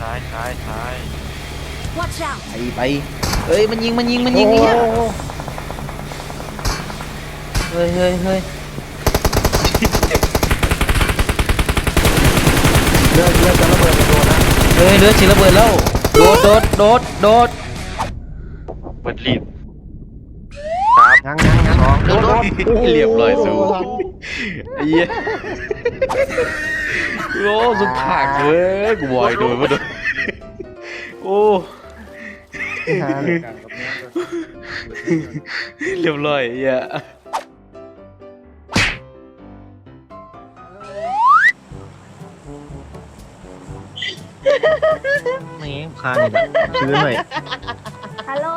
Watch out ไปเอ้ยมันยิงเนี่ยเฮ้ยเรือจะระเบิดไปโดนนะเฮ้ยเรือฉีดระเบิดแล้วโดดเปิดรีบยังสองโดนเรียบร้อยสู้ไอ้เหี้ยโอ้สุดผักเลยกูบอยโดนมาโดนโอ้เรียบร้อยไอ้เหี้ยไม่งั้นคานอีกชื้นหน่อยฮัลโหล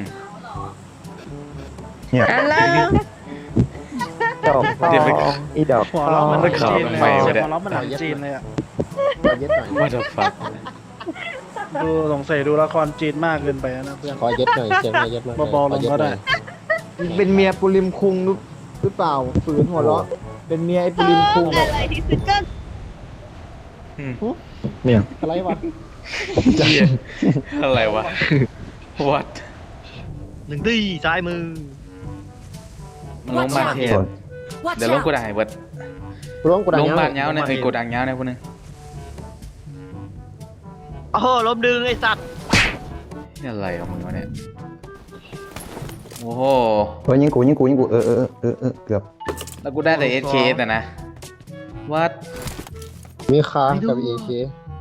เนี่ยฮัลโหลดอกอีดอกหัวเราะมันมันขับจีนไปเลยเนี่ยหัวเราะมันหนังจีนเลยอ่ะเย็ดหน่อยว่าจะฟักดูสงสัยดูละครจีนมากเกินไปนะเพื่อนขอเย็ดหน่อยเสียงหน่อยเย็ดหน่อยเบาๆลงก็ได้เป็นเมียปุริมคุงหรือเปล่าฝืนหัวเราะเป็นเมียไอ้ปุริมคุงอะไรที่สุดก็เนี่ยอะไรวะอะไรวะ วัดหนึ่งตีซ้ายมือมันลงบ้านเทพ Watch เดี๋ยวลง out กูได้เบิดร้องกูดังลงบ้านเงาเงาเนี่ยกูดังเงาเนี่ยพวกนึงโอ้โหล้มดึงไอ้สัตว์นี่อะไรของมึงวะเนี่ยโอ้โหเฮ้ยยิงกูเกือบแล้วกูได้แต่ SK แต่นะวัดมีคากับเอเค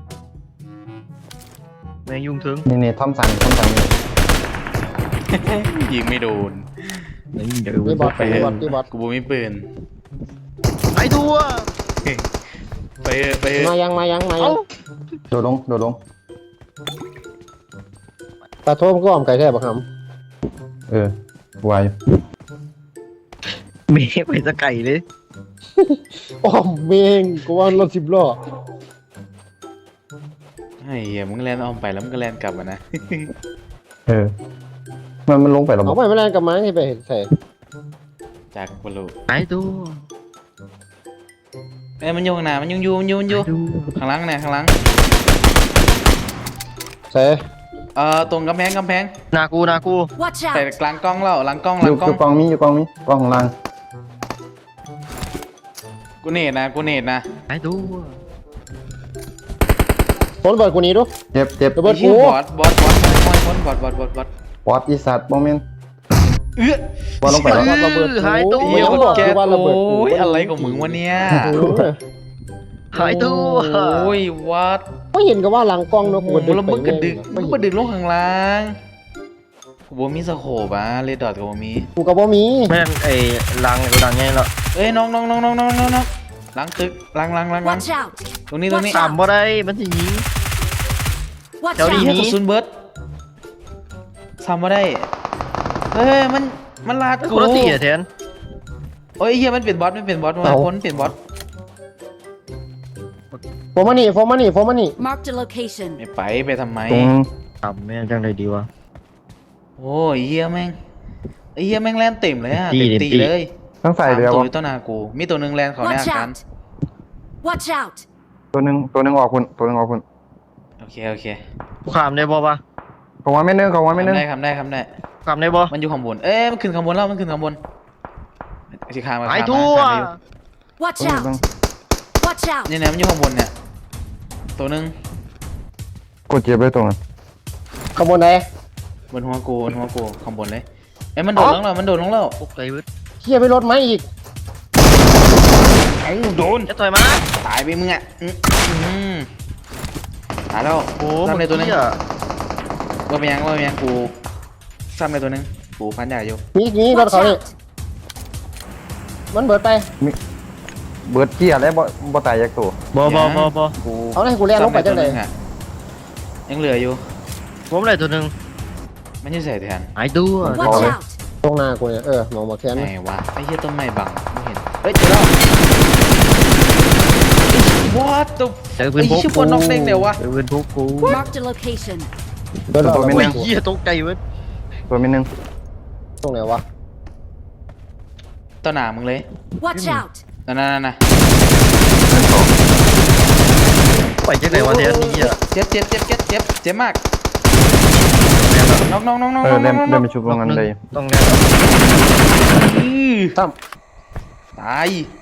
แมงยุงถึงนี่ท่อมสันนี่ยิงไม่โดนนี่เดี๋ยวนี่บอสนี่บอสนี่บอสกูบ่มีปืนไอ้ตัวไปเถอะมายังโดดลงตาโทมก็อ้อมไก่แทบปะครับวายเมฆไปสะไก่เลยอ้อมเมงกูว่ารถ10 ล้อไอ้เหี้ยมึงแลนออมไปแล้วมึงก็แลนกลับมานะมันลงไปหรอเอาไปไม่แรงกับไม้ให้ไปเห็นใส่จากบอลูไอ้ตัวเอ้ยมันอยู่ข้างหน้ามันอยู่ข้างหลังเนี่ยข้างหลังใส่ตรงกำแพงนากู Watch ใส่ out กลางกล้องแล้วหลังกล้องอยู่กองมีกล้องของล่างกูเนตนะไอ้ตัวคนเบิดกูนี้ดูเจ็บระเบิดไอ้กูเหี้ยบอสบอสปอดอีสัตว์โมเมนต์บอลลงไปแล้วระเบิดกูหายตัวเหี้ยกูมันบอกแกกูว่าระเบิดกูโอ้ยอะไรของมึงวะเนี่ยหายตัวโอ้ยวัดไม่เห็นกับว่าหลังกล้องเนอะกูโอ้โหแล้วมึงกระดึกไม่มึงกระดึกลงข้างล่างกูบ่มีสโคปอ่ะเรดดอทกูบ่มีกูกับว่ามีแม่งไอ้ลังกูดังไงแล้วเอ้ยน้องหลังตึกหลัง Watch out ตรงนี้ต่ำบ่ได้มันสิยิง Watch เดี๋ยวดิ out เฮียกระสุนเบิร์ดซ้ำมาได้เฮ้ยมันลาดคกูนละตีอะแทนโอ้ยเฮียมันเป็นบอสมาคนเป็นบอสโฟมานี่ Marked a location ไม่ไปทำไมตรงต่ำแม่งจังเลยดีวะโอ้ยเฮียแม่งแลนเต็มเลยอะตีเต็มตีตีเลยทั้งใส่เรือตัววะอยู่ต้นนากูมีตัวหนึ่งแลนเขาใน Watch อาการ out Watch out ตัวหนึ่งออกคุณโอเคกูขามได้บ่ปะของวันไม่นึงทำได้ขามได้บ่มันอยู่ข้างบนเอ้ยมันขึ้นข้างบนแล้วมันขึ้นข้างบนสิคามาไอ้ตัว Watch out Watch out เนี่ยมันอยู่ข้างบนเนี่ยตัวหนึ่งกดเจ็บเลยตรงนั้นขบวนไหนบนหัวกูข้างบนเลยเอ้ยมันโดดลงแล้วตกใจเว้ยเฮียไปรถไหมอีกไอ้โดนจะต่อยมาตายไปมึงอ่ะตายแล้วโอ้ซ้ำในตัวหนึงเหี้ยว่าเป็นยังกูซ้ำในตัวหนึงกูพันใหญ่อยู่มีรถ Watch เขานี่ out มันเบิดไปเบิร์ดเกียร์แล้วบ่ตายจากตัวบ่กูเอาให้กูเรียนลงไปจังเลยซ้ำในตัวหนึ่อะยังเหลืออยู่ผมเลยตัวหนึ่งมันจะใส่แทนไอ้ตัว Watch out ตรงหน้ากูเนี่ยมองบอกแค่ไหนนั้นวะไอ้เหี้ยต้นไม้บังไม่เห็นเฮ้ยเจอแล้ว What the เจอปืนพกไอ้ชิบวนนอกเด้งเดี๋ยววะเจอปืนพกกู Marked a location เบิดตัวไม่โอ้ยนึงเหี้ยตกใจเว้ยตัวไม่นึงตรงไหนวะต้นหนามึงเลย Watch out นั่นไปจังไหนวะเทียนนี่อ่ะเจ็บมากน้องเออเล่นไปชุบตรงนั้นเลยต้องแน่ตั้มตาย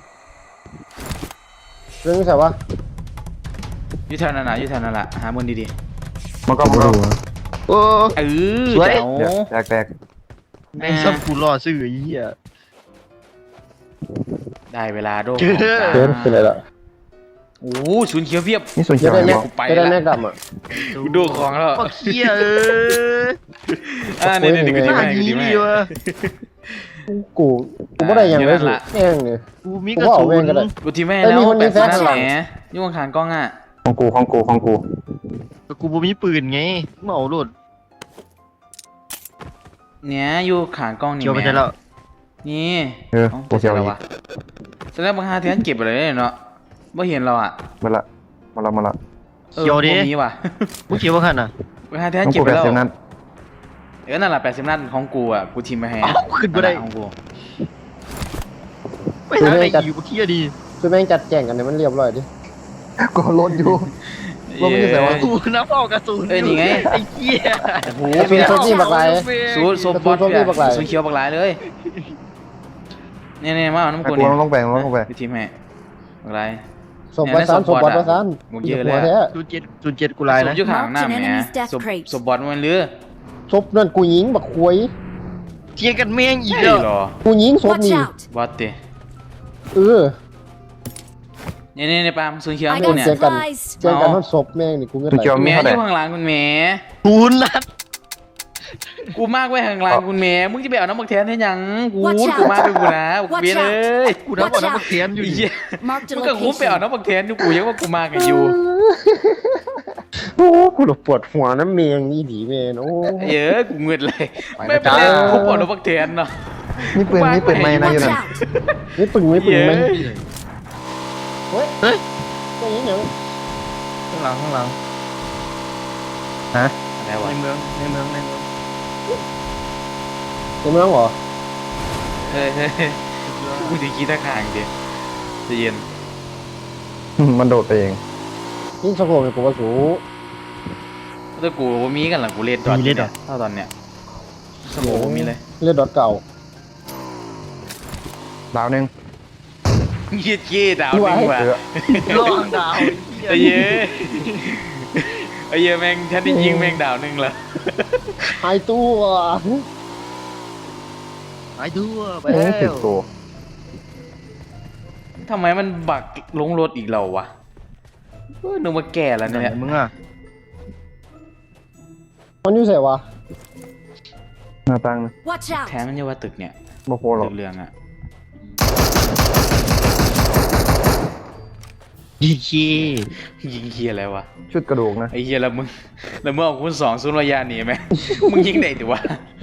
เรื่องนี้ใช่ปะอยู่แถวนั้นล่ะหามือดีมันก็มาดูโอ้ๆสวยเจ๋วเดี๋ยวแตกแม่งซับกูรอซื้อไอ้เหี้ยได้เวลาโดเกินเกินเป็นไรล่ะโอ้ศูนย์เขียวเพียบนี่ส่วนเขีจะยวได้แม็กกูไปจะได้ละแม็กดำอ่ะกูดูของแล้วปักเหี้ยนี่กูหดีน้าแม่นี้ดีแม่ดีวะกูไม่ได้ยังอยู่เลนั่ยนสิล่ะแม่งเนี่ยกูมีกระสุกูว่าเอาแม่งก็ได้นกูทีแม่เอ้ยแล้วมีคนมีแปดแฟนสิบหลังแหมยุ่งขางกล้องอ่ะของกูแต่กูบ่มีปืนไงเมาโลดเนี่ยอยู่ขางกล้องนี่เกี่ยวไปแม่ได้แล้วนี่เอออ้ากูเขียวแล้อีวกวะแสดงบางฮาเทียนเก็บไปเลยเนาะไม่เห็นเราอ่ะมาละเขียวดิมีว่ะมึงเกี่ยวว่าขันอ่ะบางฮาเทียนต้องเก็บกูไปแบบแล้วเซมนั้นนั่นแหละ80 นัดของกูอ่ะกูทีมไปให้เอ้าขึ้นบ่ได้ของกูไปทางไหนอยู่กูเที่ยดีคือแม่งจัดแจงกันเนี่ยมันเรียบร้อยดิก็รถอยู่ ว่ามันจะใส่วะกูน้ำเฝ้ากระสุนเอ้ยนี่ไงไอ้เหี้ยโอ้โหกระสุนโซนี่บักไรสูตรโซบอสกระสุนโซนี่บักหลายสูตรเขียวบักหลายเลยเนี่ยมาเอาน้ำไอ้กูกูเนี่ยต้องแบ่งไปทีมให้บักหลายศพประสานศพบอดประสานหมดเยอะเลยหัวแท้ 07กูลายสูนะตรยุคหางหน้าแหม Marked an enemy's death สูตร crate สูตรบอสมันหรือศพนั่นกูยิงบักควยเที่ยกันแม่งอีกใช่แล้วเหรอกูยิงศพ Watch นี่ out! บอสเตะเออเนี่ยปาล์มสูตรเขียว I กู got เนี่ย supplies. เจอกันทอดศพแม่งนี่กูเงินตัวไหลเขียวแหมมีอเท่าไหร่ยู่ข้างหลังคุณแหมกูนัดกูมากไว้ข้างหลังคุณแหมมึงจะไปเอาน้ำบักแทนให้ยังกู Watch out กูมากไปกูนะกู Watch เบียเลยกูนับว่าน้ำมันเทียนอยู่ไอ้ดิเหี้ย Marked a มึงก็คุ้มไปเอา location. น้ำบักแทนอยู่กูยังว่ากูมากันอยู่โอ้กูหลบปวดหัวน้ำเมียงนี่ดีแม่นโอ้เยอะกูเงืดเลยไม่เป็นไรคุ้มเอาน้ำบักแทนเนาะนี่ปืนไม่นะอยู่ Watch นั่น out! ไม่ปึงไม่ปึงไหมเย้เฮ้ยตัวนี้เนี่ยข้างหลังอะไรวะในเมืองในเมืองเหรอเฮ้ยกูจะคิดท่าทางเดียวจะเย็นมันโดดไปเองนี่สะโพกเนี่ยกูว่าสูถ้ากูว่ามีกันหลังกูเล่นตอนเนี่ยถ้าตอนเนี้ยสมองมีเลยเลือดดอทเก่าดาวนึงเยี่ยเยี่ยดาวหนึ่งว่ะล่องดาวไอ้เย้ไอ้เย้แม่งฉันได้ยิงแม่งดาวหนึ่งละหายตัวหายทั่วไปเอ้แล้ยถึกวตัวทำไมมันบักลงรถอีกเราวะนึกว่าแก่แล้วเนี่ยมึงอ่ะมันอยู่ใส่วะหน้าตั้งนะ Watch แท้ out! มันเรียกว่าตึกเนี่ยบ่โคหรอกตึกเรืองอ่ะดีคียิงเฮียอะไรวะชุดกระดูกนะไอ้เฮียแล้วมึงเอาคูณ2ศูนย์ระยะหนีไหม มึงยิงได้ดิวะ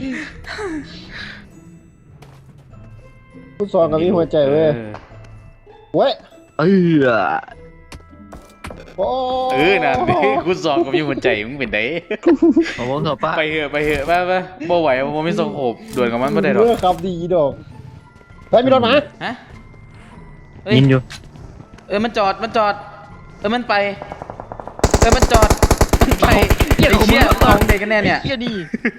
ฟุตซอลกับมีหัวใจเว้ยเว้ยเออโอ้นั่นดิคูณ2กับมีหัวใจมึงเป็นไดเอาวงเถอะป้าไปเถอะไปบ่ไหวบ่มีส่งโขบด่วนกับมันบ่ได้หรอกเมื่อครับดีดอกเฮ้ยมีรถมาฮะเฮ้ยยินอยู่มันจอดมันไปมันจอดมันไปไอ้เชี่ยของเด็กกันแน่เนี่ยเฮียนี่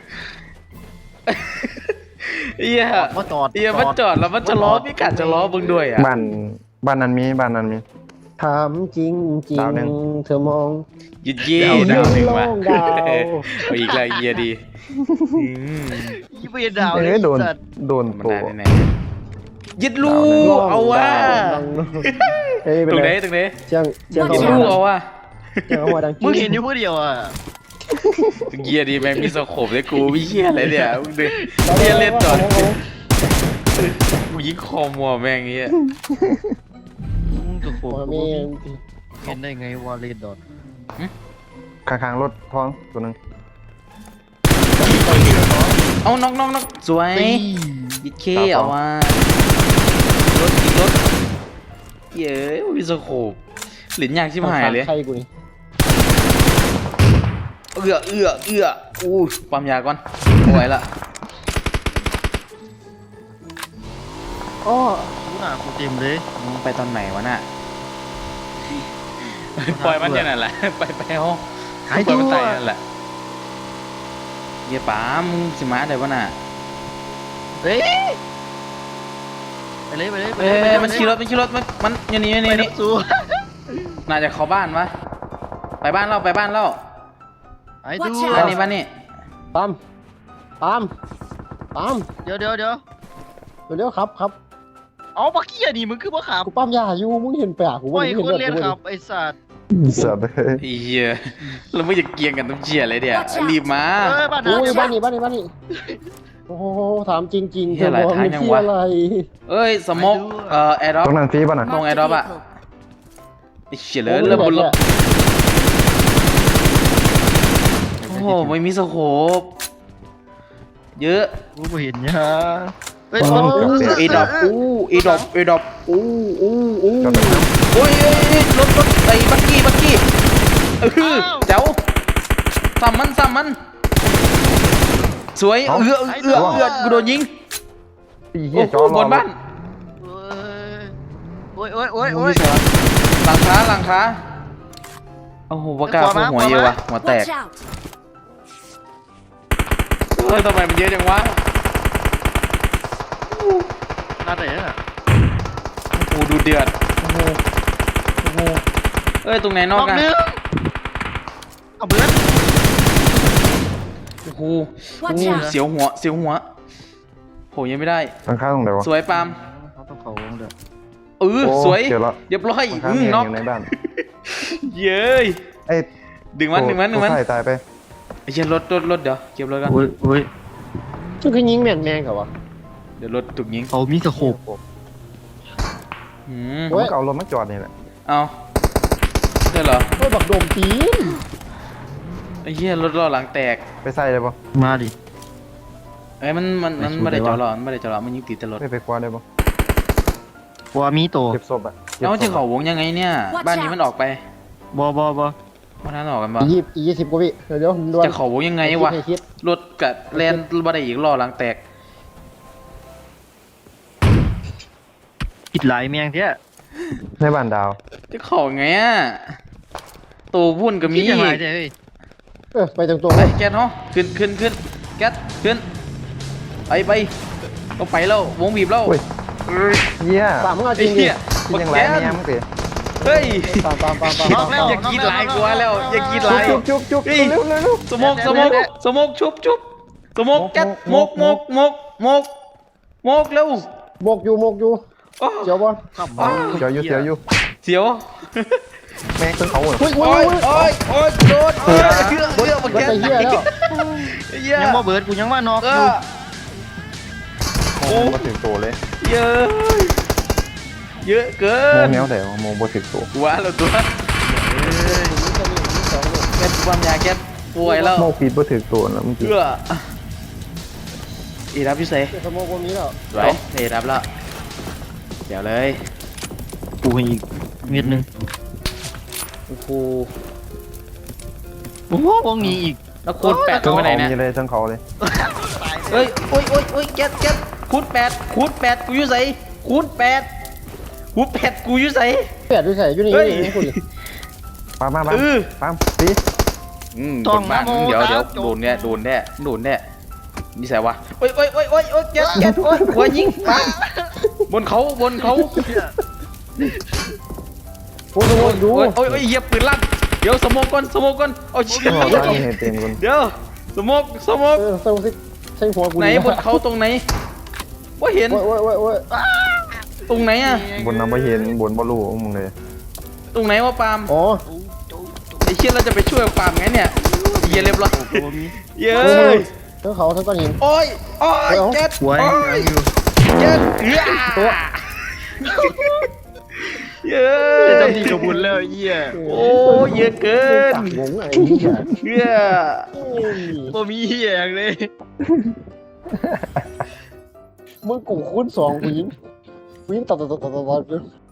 เหี้ยมาจอดเหี้ยมันจอดแล้วมันจะล้อพี่กัดจะล้อมึงด้วยอ่ะบ้านนั้นมีถามจริงจริงดาวหนึ่งเธอมองยิดเย่ดาวหนึ่งว่ะดาวเอาอีกแล้วเหี้ยดียี่เบียดาวเอ้ยโดนสัตว์โดนมันตัวได้ไหนยิดลูกเอาว่ะเฮ้ยตเป็นรงไหไรนตรงไหนเชียงเชียงยิดเขาลูกเอาว่ะเชียงเขาหัวดังมึงเห็นอยู่เพื่อเดียวอ่ะเหี้ยดีแม่งมีสโคปเลยกูวิเหี้ยอะไรเนี่ยมึงดูเหี้ยเล่นจอดกูยิงคอมัวแม่งเงี้ยมึงกับโคหัวกูเมียเห็นได้ไงวาเลนดอนข้างๆรถท้องตัวนึงเอาน้องสวยยิดเคเอาว่ะรถอีกรถเย้ยมีสโคปหลินยากชิบหายเลยใครกูนี่เอื้ออู้ปั๊มยาก่อนไม่ไหวละอ้อกูหน้ากูเต็มเลยมึงไปตอนไหนวะน่ะปล่อยมันอย่างนั้นแหละ ไปห้องหายปล่ตัอยวมันตายนั่นแหละเยี่ยป๋ามึงสิมาได้ปะน่ะเฮ้ยไปเลยไปเลยไปเอ้เลยยมันขี่รถมันอย่างนี้อย่างนี้อย่างนี้สู้น่าจะเข้าบ้านวะไปบ้านเราหายตัว Watch out บ้านนี้ปั๊มเดี๋ยวเร็วๆครับเอาปากเกี้ยนี่มึงคือบ่ขับกูปั๊มยาอยู่มึงเห็นแปลกกูโอ้ว่าย มึงคนเห็นเรียนเลือดขับไอ้สัตว์สัตว์เอ้ยไอ้เหี้ยเราไม่จะเกียงกันต้องเชียร์เลยเดี๋ยว Watch out รีบมาเอ้ยบ้านกูนั้นอยู่บ้านนี้โอ้โหถามจริงๆเหี้ยหลายทางยังวะอะไรเอ้ยสมกแอร์ดรอปตรงนั้นฟรีป่ะน่ะตรง Marked a airdrop อะ vehicle. ไอ้เฉียเลยเริ่มบนรถโอ้โหไม่มีสโคปเยอะกูบ่เห็นเนี่ยเฮ้ยเอดอบเอดอบจอดตรงนั้นโอ้ยรถไอ้บักกี้เจ้าซ้ำมันสวยกูโดนยิงไอ้เหี้โอ้ยโหจอดรอบนบ้านโอ้ยหลังคาโอ้โหปากกาหัวเยอะวะหัวแตก Watch out! เฮ้ยทำไมมันเยอะจังวะน่าแต่เนี่ยโอ้โหดูเดือดโอ้โหเอ้ยตรงไหนนอกกันนึงเอาเบิร์ดโอ้โห Watch out! เสียวหัวโหยังไม่ได้หลังคาตรงไหนวะสวยปาล์มเขาต้องเขาวงเด้อเออโอ้สวยเจอแล้วเรียบร้อยหลังคาเมียน็อกอยู่ในบ้านเย้ยไอ้ดึงมันตัวใส่ตายไปไอ้เชี่ยรถเดี๋ยวเก็บรถกันโอ้ยมันคือยิงแม่นกับวะเดี๋ยวรถถูกยิงเขามีสโคปหืมผมก็เอารถมาจอดนี่แหละเอาใช่เหรอเฮ้ยบักโดมตีนไอ้เหี้ยรถล้อหลังแตกไปใส่เลยปะมาดิเอ้ยมันไม่ได้จอดล้อมันไม่ได้จอดล้อมันยิงติดแต่รถไปคว้าได้ปะกลัวมีโตเก็บศพอ่ะก็บแล้วมันจะศพเขาวงยังไงเนี่ย Watch บ้านนี้มันออกไปบ่วันนั้นออกกันปะ 20กว่าวิเดี๋ยวด่วนจะเขาวงยังไงวะให้คิดรถกับแลนบ่ได้อีกล้อหลังแตกผิดหลายแมงเท้ยในบ้านดาวจะเขาไงอ่ะตัววุ่นก็มีคิดยังไงเท้ยเฮ้ยไปตรงๆไปเลยแก๊สเนาะขึ้นแก๊สขึ้นไปต้องไปแล้ววงบีบแล้วเฮ้ย เหี้ยตามมึงเอาจไอ้ริงดิเหี้ยกินยังไงแม่มึงสิเฮ้ยตามอย่ากินหลายกว่าแล้วอย่ากินหลายจุ๊บเฮ้ยเร็วสมกชุบสมกแก๊สมกเร็วโมกอยู่อ้อเจียวบอลเสียวอยู่เสียวแม่งต้นเขาเหรออุ้ยโอ้ยโดนมามันแก๊สไปเหี้ยแล้วเหี้ยยังบ่เบิร์ดกูยังว่านอกอยู่โอ้มาถึงตัวเลยเยอะเกิโมนแนวแต่ว่าโมบ่ถึงตัวว้าแล้วตัวแก๊สความยาแก๊สป่วยแล้วโมฟีดบ่ถึงตัวแล้วมึงสิเพื่ออีรับพิเศษสมองคนนี้แล้วไหวเอีรับแล้วเดี๋ยวเลยกูให้อีกเม็ดนึงโอ้โหโอ้โหวงนี้อีกแล้วคูณแปดทั้งไปเขาไหนเนี่ยมีเลยทั้งเขาเลยเฮ้ยโอ้ยแก๊สคูณแปดกูอยู่ใส่คูณแปดกูอยู่ใส่แปดด้วยใส่อยู่นี่เฮ้ยคุณปั๊มมาเออปั๊มสิบนบ้านมึงเดี๋ยวโดนแน่นี่ใส่วะโอ้ยแก๊สโอ้ยหัวยิงปังบนเขาโอ้ดูโอ้ยเหยียบปืนลั่นเดี๋ยวสมองก่อนเอาเชี่ยบ้านเห็นเต็มคนเดี๋ยวสมองใส่หัวกูไหนบนเขาตรงไหนว่าเห็นโอ้ยตรงไหนอะบนน้ำบ่เห็นบนบ่รู้มึงเลยตรงไหนวะปาล์มอ๋อไอ้เชี่ยเราจะไปช่วยปาล์มไงเนี่ยเยี่ยเรียบร้อยเย้ยทั้งเขาทั้งก้อนหินโอ้ยแก๊สไว้อยู่แก๊สตัวเย้ยจะดีกับบุญแล้วเหี้ยโอ้ยเยอะเกินงงไอ้เหี้ยเหี้ยบ่มีเหี้ยอย่างเลยมึงกูคูณ2กูยิงตัด